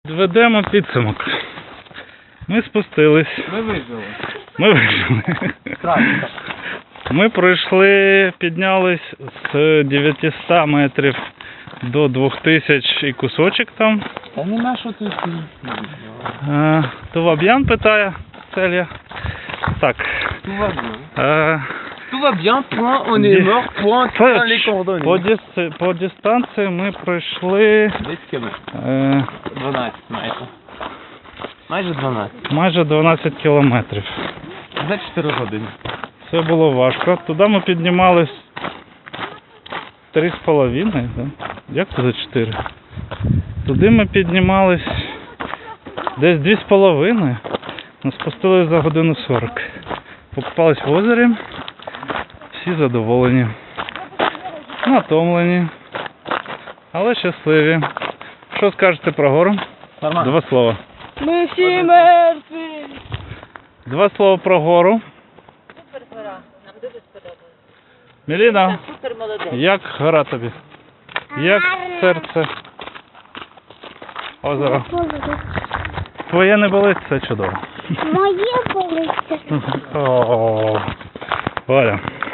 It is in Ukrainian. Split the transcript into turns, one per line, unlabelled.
Ведемо підсумок. Ми спустились. Ми вижили. Ми пройшли, піднялись з 900 метрів до 2000 і кусочок там.
Та нема що тут.
Туваб'ян питає Целія. Так.
Tout va bien, point, on est mort, point, dans les coordonnées.
По дистанції ми пройшли
10 км. 12 майже. Майже 12.
Майже 12 кілометрів.
За 4 години.
Це було важко. Туди ми піднімались 3,5, да? Як це за 4? Туди ми піднімались десь 2,5. Ми спустились за годину 40. Покупались в озері. Всі задоволені. Натомлені. Але щасливі. Що скажете про гору?
Нормально.
2 слова.
Ми всі мертві.
2 слова про гору.
Супер гора. Нам дуже сподобалось.
Міліна,
Супер молодець.
як гора тобі? Як серце? Озеро. Твоє не болить, це чудово.
Моє болить.
О, Валя.